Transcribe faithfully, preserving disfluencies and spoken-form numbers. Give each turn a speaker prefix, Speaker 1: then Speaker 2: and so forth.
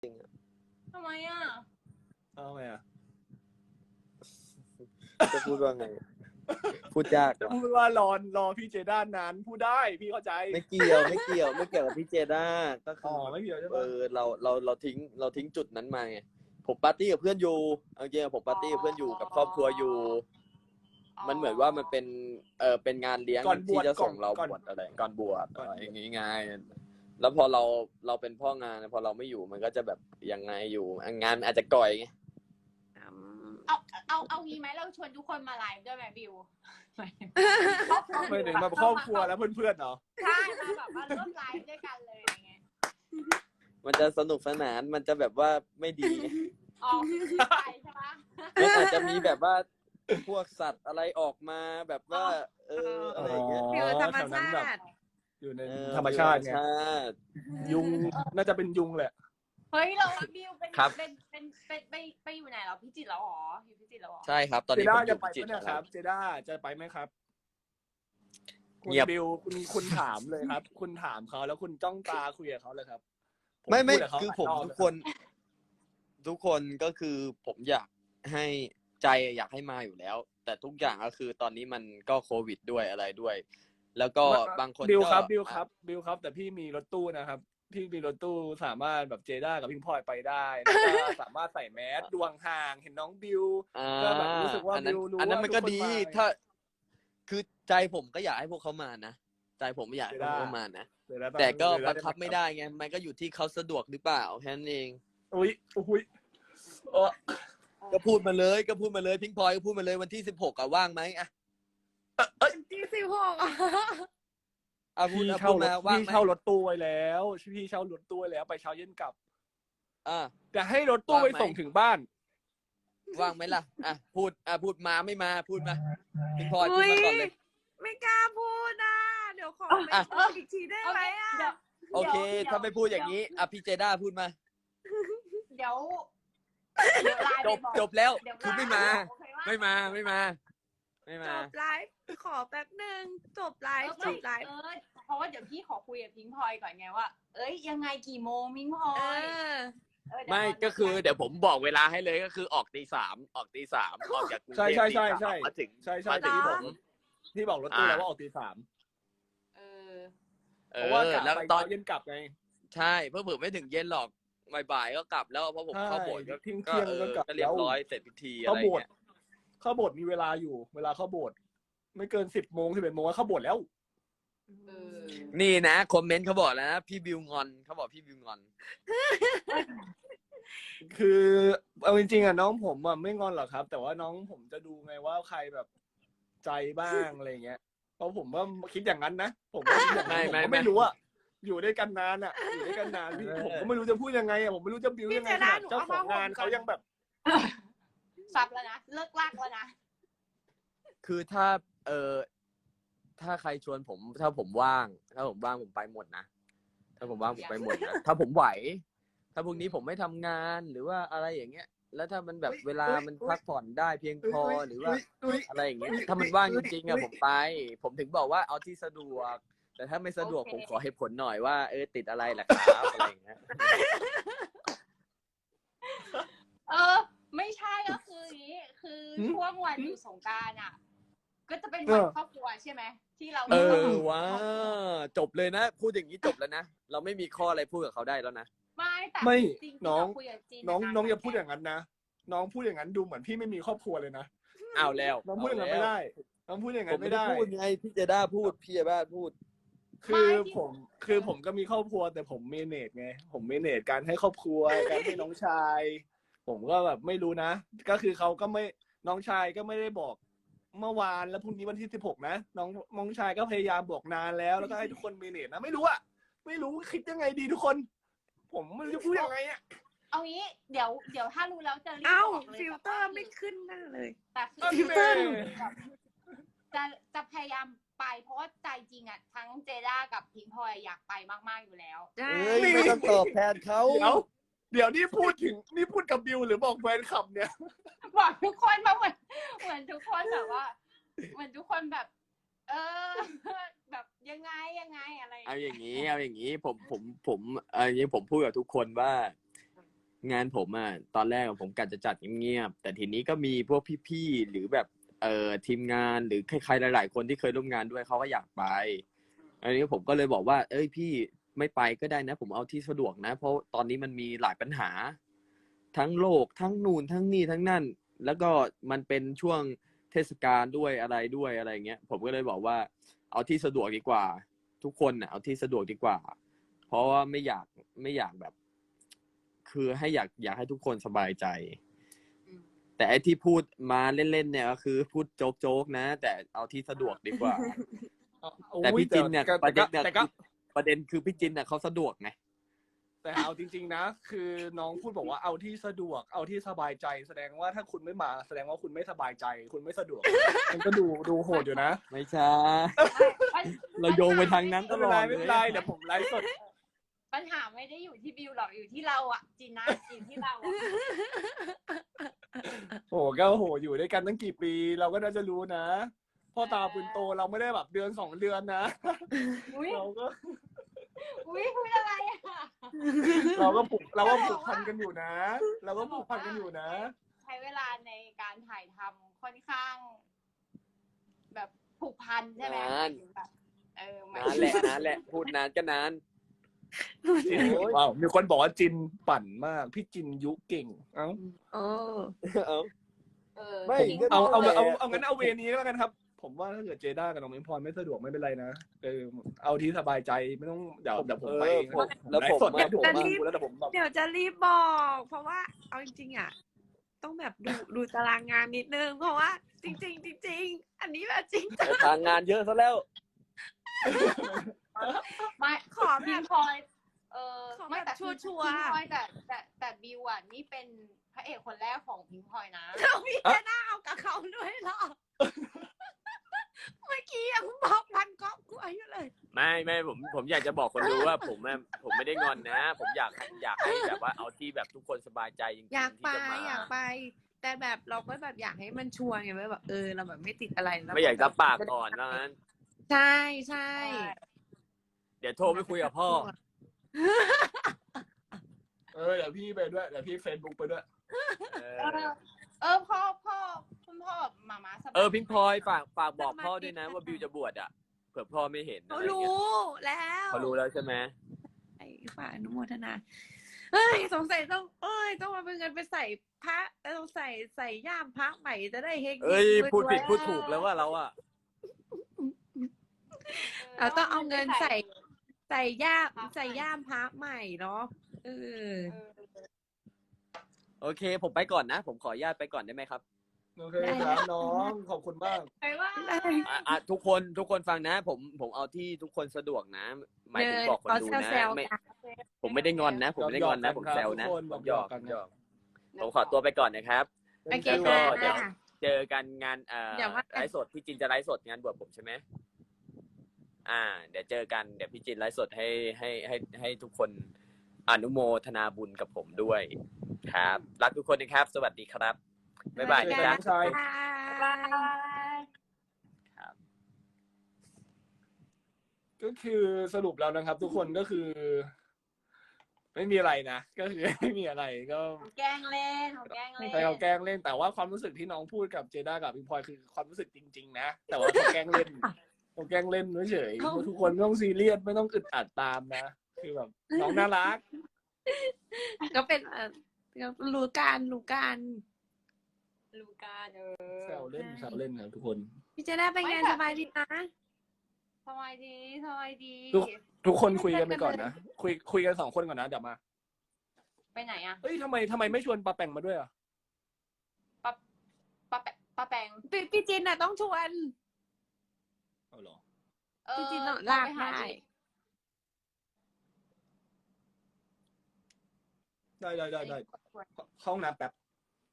Speaker 1: ทำไมอ่ะ
Speaker 2: เอาไงอ่ะ
Speaker 3: จะพูดว่าไงพูดยาก
Speaker 2: จะพูดว่ารอรอพี่เจด้านนั้นพูดได้พี่เข้าใจ
Speaker 3: ไม่เกี่ยวไม่เกี่ยวไม่เกี่ยวกับพี่เจด้าก็คื
Speaker 2: อ๋อ
Speaker 3: อ
Speaker 2: ไม่เกี่ยวใช่
Speaker 3: เอ
Speaker 2: ปะ
Speaker 3: อเราเราเราทิ้งเราทิ้งจุดนั้นมาไงผมปาร์ตี้กับเพื่อนอยู่เอาจริงๆผมปาร์ตี้กับเพื่อนอยู่กับครอบครัวอยู่มันเหมือนว่ามันเป็นเออเป็นงานเลี้ยงที่จะส่งเราบวชอะไรก่อนบวชอะไรอย่างงี้ไงแล้วพอเราเราเป็นพ่องานพอเราไม่อยู่มันก็จะแบบยังไงอยู่งานอาจจะก่อยไง
Speaker 1: เอาเอาเอางี้ไหมเราชวนทุกคนมาไลฟ์ด้วยไหมบิว
Speaker 2: ไม่ถึงมาครอบครัวแล้วเพื่อนๆเนาะ
Speaker 1: ใช่มาแบบมาร่วมไลฟ์ด้วยกันเลยอะไรเงี้ย
Speaker 3: มันจะสนุกสนานมันจะแบบว่าไม่ดี
Speaker 1: อ๋อใช่ใช่ปะ
Speaker 3: มันอาจจะมีแบบว่าพวกสัตว์อะไรออกมาแบบว่า เอออะไรอย่างเงี้ย
Speaker 2: อ๋อแถวนั้นแบบอยู่ในธรรมชาติไง
Speaker 3: ธรรมชาติ
Speaker 2: ยุงน่าจะเป็นยุงแหละ
Speaker 1: เฮ้ยเราบิวเป็น
Speaker 3: ครับ
Speaker 1: เป็นเป็นเป็นไปไปอยู่ไหนเราพิจิตรแล้วหรออยู่พิจิตรแล้วหรอ
Speaker 3: ใช่ครับตอน
Speaker 2: เจ
Speaker 3: นี้
Speaker 2: ด้า
Speaker 3: ผมอ
Speaker 2: จะ
Speaker 3: ยู่
Speaker 2: ไป
Speaker 3: พิจิต
Speaker 2: ไหม
Speaker 3: ร
Speaker 2: นะครับเจด้าจะไปไหมครับคุณ
Speaker 3: เงียบ
Speaker 2: บิวคุณคุณถามเลยครับ คุณถามเขาแล้วคุณจ้องตาคุยกับเขาเลยครับ
Speaker 3: ไม่ไม่
Speaker 2: พูดกับเขา
Speaker 3: คือผม
Speaker 2: หลายรบ
Speaker 3: ทุกคน ทุกคนก็คือผมอยากให้ใจอยากให้มาอยู่แล้ว แต่ทุกอย่างก็คือตอนนี้มันก็โควิดด้วยอะไรด้วย แล้วก็บางคน
Speaker 2: บิว
Speaker 3: ก็
Speaker 2: ครับบิวครับบิวครับ แต่พี่มีรถตู้นะครับพี่มีรถตู้สามารถแบบเจด้ากับพิงพลอยไปได้แล้วก็สามารถใส่แมสดวงห่างเห็นน้องบิว
Speaker 3: อ่า
Speaker 2: ก็แบบรู้สึกว่า
Speaker 3: อันนั้น
Speaker 2: บิวรู้
Speaker 3: อันนั้น
Speaker 2: ว่า
Speaker 3: มันก็
Speaker 2: ทุกคน
Speaker 3: ดี
Speaker 2: มา
Speaker 3: ถ้า คือใจผมก็อยากให้พวกเขามานะใจผมไม่อยากให้พวกเขามานะ
Speaker 2: เดี๋ยวนะ
Speaker 3: แต่ก็
Speaker 2: เดี๋ยวนะ
Speaker 3: บังคับไม่ได้ไงมันก็อยู่ที่เขาสะดวกหรือเปล่าแค่นั้นเอง
Speaker 2: อุ้ยอุ้ยเออ
Speaker 3: ก็พูดมาเลยก็พูดมาเลยพิงพลอยก็พูดมาเลยวันที่สิบหกอะว่างไหมอะ
Speaker 1: ที่สิบหก
Speaker 3: อ่ะพูด
Speaker 2: พี่
Speaker 3: อ่ะ
Speaker 2: เช่า
Speaker 3: พูด
Speaker 2: ร
Speaker 3: มา
Speaker 2: ถ
Speaker 3: ว่าง
Speaker 2: พี่
Speaker 3: ไหม
Speaker 2: เช่ารถตู้ไว้แล้วพี่เช่ารถตู้ไว้แล้วไปเช้าเย็นกลับ
Speaker 3: อ่ะ
Speaker 2: แต่ให้รถตู้
Speaker 3: ว่าง
Speaker 2: ไป
Speaker 3: ไหม
Speaker 2: ส่งถึงบ้าน
Speaker 3: ว่างไหมล่ะอ่ะพูดอ่ะพูดมาไม่มาพูดมาพิงพลอยพูดมาก่อนเลย
Speaker 4: ไม่กล้าพูดนะเดี๋ยวขอไป
Speaker 3: อ่ะ
Speaker 4: พูดอีกทีได้ไหมอ่ะ
Speaker 1: เดี๋ยว
Speaker 3: โอเค
Speaker 1: ดี๋ยว
Speaker 3: ถ้าไม่พูดอย่างนี้อ่ะพี่เจด้าพูดมา
Speaker 1: เดี๋ยวเดี๋ยวไลน์
Speaker 3: จ
Speaker 1: ไป
Speaker 3: บ
Speaker 1: บอก
Speaker 3: จบแล้ว
Speaker 1: เดี๋ยว
Speaker 3: คือไม่มา
Speaker 1: โอเคปะ
Speaker 3: ไม่มาไม่มา ไม่
Speaker 4: จ
Speaker 3: มา
Speaker 4: บไลฟ์ขอแป๊บหนึ่งจบไล
Speaker 1: เออ
Speaker 4: ฟ์จบไลฟ์
Speaker 1: เออเพราะว่าเดี๋ยวพี่ขอคุยกับพิงพลอยก่อนไงว่า เอ้ยยังไงกี่โมงพิงพลอ
Speaker 4: เอย อ
Speaker 1: เออเดี๋ยว
Speaker 3: ไม่
Speaker 1: ร
Speaker 3: ก็คือเดี๋ยวผมบอกเวลาให้เลยก็คือออกตีสามออกตีสามออกจากกรุง
Speaker 2: ใช่
Speaker 3: เทพ
Speaker 2: ใช่
Speaker 3: ตี
Speaker 2: ใช่
Speaker 3: สาม
Speaker 2: ใช่
Speaker 3: มาถึง
Speaker 2: ใช่ใช่
Speaker 3: มาถึง
Speaker 2: ที่
Speaker 3: ผ
Speaker 2: ผม
Speaker 3: ม
Speaker 2: ที่บอกรถตู้
Speaker 3: อ่า
Speaker 2: แล้วว่าออกตีสาม
Speaker 1: เออ
Speaker 3: เอ
Speaker 2: เพราะว่า
Speaker 3: อก
Speaker 2: ลับ
Speaker 3: แล้ว
Speaker 2: ไป
Speaker 3: ตอน
Speaker 2: เช้าเย็นกลับไง
Speaker 3: ใช่เพื่อผมไม่ถึงเย็นหรอกบ่ายๆก็กลับแล้วเพราะผม
Speaker 2: ใช่
Speaker 3: เข้าโบสถ์
Speaker 2: เดี๋ยวเที่ยง
Speaker 3: ก็
Speaker 2: เที่ยง
Speaker 3: เอ
Speaker 2: ก็
Speaker 3: อก
Speaker 2: ลับ
Speaker 3: ก็เรียบร้อยเสร็จพิธีอะ
Speaker 2: เข้า
Speaker 3: ไร
Speaker 2: โบสถ์
Speaker 3: เงี้ย
Speaker 2: เข้าโบสถ์มีเวลาอยู่ เวลาเข้าโบสถ์ไม่เกินสิบโมงสิบเอ็ดโมงก็เข้าโบสถ์แล้ว
Speaker 1: เออ
Speaker 3: นี่นะคอมเมนต์เขาบอกแล้วนะพี่บิวงอนเขาบอกพี่บิวงอน
Speaker 2: คือเอาจริงๆอ่ะน้องผมอ่ะไม่งอนหรอกครับ แต่ว่าน้องผมจะดูไงว่าใครแบบใจบ้างอะไรเงี้ยเพราะผมว่าคิดอย่างนั้นนะผมก็คิดอย่างนั้นผมก็ไม่รู้อ่ะอยู่ด้วยกันนานอ่ะอยู่ด้วยกันนานพี่ผมก็ไม่รู้จะพูดยังไงอ่ะผมไม่รู้จะบิวยังไงขนาดเจ้าของงานเขายังแบบ
Speaker 1: ซับแล้วนะเลิกลากแล้วนะ
Speaker 3: คือถ้าเออถ้าใครชวนผม ถ้าผมว่าง ถ้าผมว่างผมไปหมดนะถ้าผมว่างผมไปหมดนะถ้าผมไหว ถ้าพรุ่งนี้ผมไม่ทำงานหรือว่าอะไรอย่างเงี้ย แล้วถ้ามันแบบเวลามันพักผ่อนได้เพียงพอหรือว่าอะไรอย่างเงี้ยถ้ามันว่างจริงๆอะผมไป ผมถึงบอกว่าเอาที่สะดวก แต่ถ้าไม่สะดวกผมขอเหตุผลหน่อยว่าเออติดอะไรล่ะครับอะไรอย่างเงี้ย
Speaker 1: เออ ไม่ใช่ก็คืออย่างนี้คือช่วงวันอยู่สงกรานต์อ่ะ ก็จะเป็นวันครอบครัวใช่ไหมที่เรา
Speaker 3: เออว้าจบเลยนะ พูดอย่างนี้จบแล้วนะเราไม่มีข้ออะไรพูดกับเขาได้แล้วนะ
Speaker 1: ไม่แต่
Speaker 2: ไม่
Speaker 1: จริงๆ
Speaker 2: น้อง
Speaker 1: เราคุยกับจีน
Speaker 2: น้อง
Speaker 1: ะ
Speaker 2: น้องอย่าพูดอย่างนั้นนะน้องพูดอย่างนั้นดูเหมือนพี่ไม่มีครอบครัวเลยนะ
Speaker 3: เอาแล้ว
Speaker 2: น้องพูดอย่างนั้นไม่ได้น้องพูดอย่าง
Speaker 3: ผ
Speaker 2: นั้
Speaker 3: ม
Speaker 2: น
Speaker 3: ไม่
Speaker 2: ไม่
Speaker 3: ได้
Speaker 2: ได้
Speaker 3: พูดไงพี่เจด้าพูดพี่เจด้าพูด
Speaker 2: คือผมคือผมก็มีครอบครัวแต่ผมเมเนจไงผมเมเนจการให้ครอบครัว การให้น้องชาย ผมก็แบบไม่รู้นะ ก็คือเขาก็ไม่น้องชายก็ไม่ได้บอกเมื่อวานแล้วพรุ่งนี้วันที่สิบหกนะน้องน้องชายก็พยายามบอกนานแล้วแล้วก็ให้ทุกคนเมเนจนะไม่รู้อะไม่รู้คิดยังไงดีทุกคน ผมไม่รู้จะพูดยังไงอะ
Speaker 1: เอางี้เดี๋ยวเดี๋ยวถ้ารู้แล้วจะรีบ
Speaker 4: เอ้า
Speaker 1: บอกเลย
Speaker 4: ฟิลเตอร์ไม่ขึ้นหน้าเลย
Speaker 1: แต่คือ
Speaker 2: ฟิลเตอร์
Speaker 1: จะจะพยายามไปเพราะว่าใจจริงอ่ะทั้งเจด้ากับพิงพลอยอยากไปมากๆอยู่แล้ว
Speaker 4: ใช่
Speaker 3: เอ้ยไม่ต้องตอบแทนเขา
Speaker 2: เดี๋ยวเดี๋ยวนี่พูดถึงนี่พูดกับบิวหรือบอกแฟนคลับเนี่ย
Speaker 1: บอกทุกคนมาเหมือนเหมือนทุกคนแบบว่า เหมือนทุกคนแบบ เออ แบบยังไงยังไงอะไร
Speaker 3: เอาอย่างนี้เอาอย่างนี้ผมผมผมเอาอย่างนี้ผมพูดกับทุกคนว่างานผมอ่ะตอนแรกอะผมกะจะจัดเงียบๆแต่ทีนี้ก็มีพวกพี่ๆหรือแบบเอ่อทีมงานหรือใครๆหลายๆคนที่เคยร่วมงานด้วยเขาก็อยากไปอันนี้ผมก็เลยบอกว่าเอ้ยพี่ไม่ไปก็ได้นะผมเอาที่สะดวกนะเพราะตอนนี้มันมีหลายปัญหา ทั้งโลกทั้งนู่นทั้งนี่ทั้งนั่นแล้วก็มันเป็นช่วงเทศกาลด้วยอะไรด้วยอะไรเงี้ยผมก็เลยบอกว่าเอาที่สะดวกดีกว่า ทุกคนน่ะเอาที่สะดวกดีกว่า เพราะว่าไม่อยากไม่อยากแบบ คือให้อยากอยากให้ทุกคนสบายใจ
Speaker 1: อืม
Speaker 3: แต่ไอ้ที่พูดมาเล่นๆเนี่ยก็คือพูดโจ๊กๆนะ แต่เอาที่สะดวกดีกว่า แต่พี่จินเนี่ยประเด็นเนี่ย
Speaker 2: แต่ก็
Speaker 3: ประเด็นคือพี่จินเนี่ยเขาสะดวกไง
Speaker 2: แต่เอาจริงๆนะ คือน้องพูดบอกว่าเอาที่สะดวกเอาที่สบายใจ แสดงว่าถ้าคุณไม่มาแสดงว่าคุณไม่สบายใจ คุณไม่สะดวก มันก็ดูดูโหดอยู่นะ
Speaker 3: ไม่ใช่ เราโยงไปทางนั้นต
Speaker 2: ไม่
Speaker 3: ล
Speaker 2: เป็น
Speaker 3: อ
Speaker 2: ไร
Speaker 3: ด
Speaker 2: ไม่เป็นไร
Speaker 3: เลย
Speaker 2: เดี๋ยวผมไลฟ์สด
Speaker 1: ปัญหาไม่ได้อยู่ที่บิวหรอกอยู่ที่เราอะจินนะจินที่เราอะ
Speaker 2: โอ้โหก็โหอยู่ด้วยกันตั้งกี่ปี เราก็น่าจะรู้นะพ่อตาปืนโตเราไม่ได้แบบเดือนสองเดือนนะ
Speaker 1: อุ้ย
Speaker 2: เราก็
Speaker 1: อุ้ยพูดอะไรอะ
Speaker 2: เราก็ผูกเราก็ผูกพันกันอยู่นะ เราก็ผูกพันกันอยู่นะ
Speaker 1: ใช้เวลาในการถ่ายทำค่อนข้าง แบบผูกพันใช่ไหม
Speaker 3: นาน
Speaker 1: แบบเออหมาย
Speaker 3: นานแหละนานแหละพูดนานก็นาน
Speaker 2: จินว้าวมีคนบอกว่าจินปั่นมาก พี่จินยุเก่ง เอ้า
Speaker 4: โอ้
Speaker 3: เอา
Speaker 1: เออ
Speaker 3: ไม่
Speaker 1: จริง
Speaker 3: ก็
Speaker 2: เอาเอา
Speaker 3: แต่
Speaker 2: เอาเอางั้นเอาเวนี้แล้วกันครับ ผมว่าถ้าเกิดเจด้ากับน้องมินพรไม่สะดวกไม่เป็นไรนะเออเอาที่สบายใจไม่ต้องเดี๋ยวเดี๋ยวผมไปเอง
Speaker 3: ผมแล้วผม
Speaker 2: ไฟ์สด
Speaker 3: อะ
Speaker 2: เนี่ยผม
Speaker 3: ผม
Speaker 2: มา
Speaker 3: อะ
Speaker 2: ดูแล้วแต่ผมแบบ
Speaker 4: เดี๋ยวจะรีบบอก เพราะว่าเอาจริงๆอ่ะ ต้องแบบดูดูตารางงานนิดนึง เพราะว่าจริงๆจริงๆอันนี้แบบจริงจัง
Speaker 3: ทางงานเยอะซะแล้ว
Speaker 1: ไม่
Speaker 4: ขอแบ
Speaker 1: พิ
Speaker 4: บ
Speaker 1: งพลอยเออ
Speaker 4: ขอแบบ
Speaker 1: ไม่แต่คือ
Speaker 4: ชัวร์ๆ
Speaker 1: พิงพลอยแต่แต่แต่บิวอ่ะนี่เป็นพระเอกคนแรกของพิงพลอยนะ
Speaker 4: เราพี่จะน่าเอากับเขาด้วยเหรอ เมื่อกี้ยังบอกพันครอบครัวอยู่เลย
Speaker 3: ไม่ไม่ผมผมอยากจะบอกคนดูว่าผมอะผมไม่ได้งอนนะ ผมอยากให้อยากให้แบบว่าเอาที่แบบทุกคนสบายใจจริงๆ
Speaker 4: อยากไป
Speaker 3: ที่จะมา
Speaker 4: อยากไป แต่แบบเราก็แบบอยากให้มันชัวร์ไงว่าแบบเออเราแบบไม่ติดอะไรแล้ว
Speaker 3: ไม่อยากรับปากก่อนว่างั้น
Speaker 4: ใช่ใช่
Speaker 3: เดี๋ยวโทรไปคุยกับพ่อ
Speaker 2: เออเดี๋ยวพี่ไปด้วยเดี๋ยวพี่เฟซบุ๊กไปด้วย
Speaker 3: เอ
Speaker 1: เอ
Speaker 3: อ
Speaker 1: อ เออพ่อพ่อคุณพ่อแบบหมาม้าสบาย
Speaker 3: เออพิงพลอยฝากฝากบอกพ่อด้วยนะว่าบิวจะบวชอ่ะเผื่อพ่อไม่เห็น
Speaker 4: เขา
Speaker 3: อะไร
Speaker 4: รู้
Speaker 3: เงี้ย
Speaker 4: แล้ว
Speaker 3: เขารู้แล้วใช่ไหม
Speaker 4: ไอ้ฝ่ายอนุโมทนา เฮ้ยสงสัยต้องเอ้ยต้องมาเป็นเงินไปใส่พระเออต้องใส่ใส่ย่ามพระใหม่จะได้เฮงๆ
Speaker 3: เอ้ย
Speaker 4: รวๆ
Speaker 3: พูดผิดพูดถูกแล้วว่าเราอ่ะ
Speaker 4: เราต้องเอาเงินใส่ ใส่ย่ามใส่ย่ามพระใหม่เนาะเออ
Speaker 1: เออ
Speaker 3: โอเค ผมไปก่อนนะ ผมขออนุญาตไปก่อนได้ไหมครับ
Speaker 2: โอเคครับน้องขอบคุณมาก
Speaker 1: ไปว่า
Speaker 3: อ่ะอ่ะทุกคนทุกคนฟังนะ ผมผมเอาที่ทุกคนสะดวกนะ หมายถึงบอกคนดูนะ
Speaker 4: เซลล์
Speaker 3: ไม่
Speaker 4: กัน
Speaker 3: ผมไม่ได้งอนนะ ผมไม่ได้งอนนะ ผมแซวนะ
Speaker 2: ทุกคน
Speaker 3: ผมหยอก
Speaker 2: หยอกกัน
Speaker 3: ผมหยอกผมขอตัวไปก่อนนะครับ
Speaker 4: โอเค
Speaker 3: แล้ว
Speaker 4: ค่ะ
Speaker 3: ก็เดี๋ยว เจอกันงานเอ่อ
Speaker 4: เดี๋ยวว่ากัน
Speaker 3: ไลฟ์สดพี่จินจะไลฟ์สดงานบวชผมใช่ไหมอ่า เดี๋ยวเจอกันเดี๋ยวพี่จินไลฟ์สดให้ให้ให้ให้ทุกคนอนุโมทนาบุญกับผมด้วย ครับ รักทุกคนนะครับ สวัสดีครับบ๊ายบาย
Speaker 2: เจอ
Speaker 3: นะ
Speaker 2: กัน
Speaker 3: จ๊ะ
Speaker 2: น้องชาย
Speaker 1: บาย
Speaker 2: ก็คือสรุปแล้วนะครับ ทุกคนก็คือ ไม่มีอะไรนะก็คือ ไม่มีอะไรก็
Speaker 1: เขาแกล้งเล่นเขาแกล้งเล่น
Speaker 2: ใครเขาแกล้งเล่นแต่ว่าความรู้สึกที่น้องพูดกับเจด้ากับพิงพลอยคือความรู้สึกจริง ๆ นะแต่ว่าเขาแกล้งเล่นเขาแกล้งเล่นเฉยๆทุกคนไม่ต้องซีเรียสไม่ต้องอึดอัดตามนะคือแบบน้องน่ารัก
Speaker 4: ก็เป็นเออรู้การรู้การ
Speaker 1: ลูกาเออ
Speaker 2: แซวเล่นแซวเล่นครับทุกคน
Speaker 4: พี่จะได้ไปงานสบายดีนะ
Speaker 1: สบายดีสบายดี
Speaker 2: ทุก ทุกคนคุยกันไปก่อนนะคุยคุยกันสองคนก่อนนะเดี๋ยวมา
Speaker 1: ไปไหนอะ
Speaker 2: เอ้ยทำไมทำไมไม่ชวนปาแปงมาด้วยอ่ะ
Speaker 1: ปะปะแปะปะแปง
Speaker 4: พี่พี่จินน่ะต้องชวน
Speaker 2: เอาเหรอ
Speaker 1: เออ
Speaker 4: พี่จินต้องลาก
Speaker 1: ไปห
Speaker 4: ได้
Speaker 2: ได้ได้ได้ได้เข้าห้องน้ำแป๊บ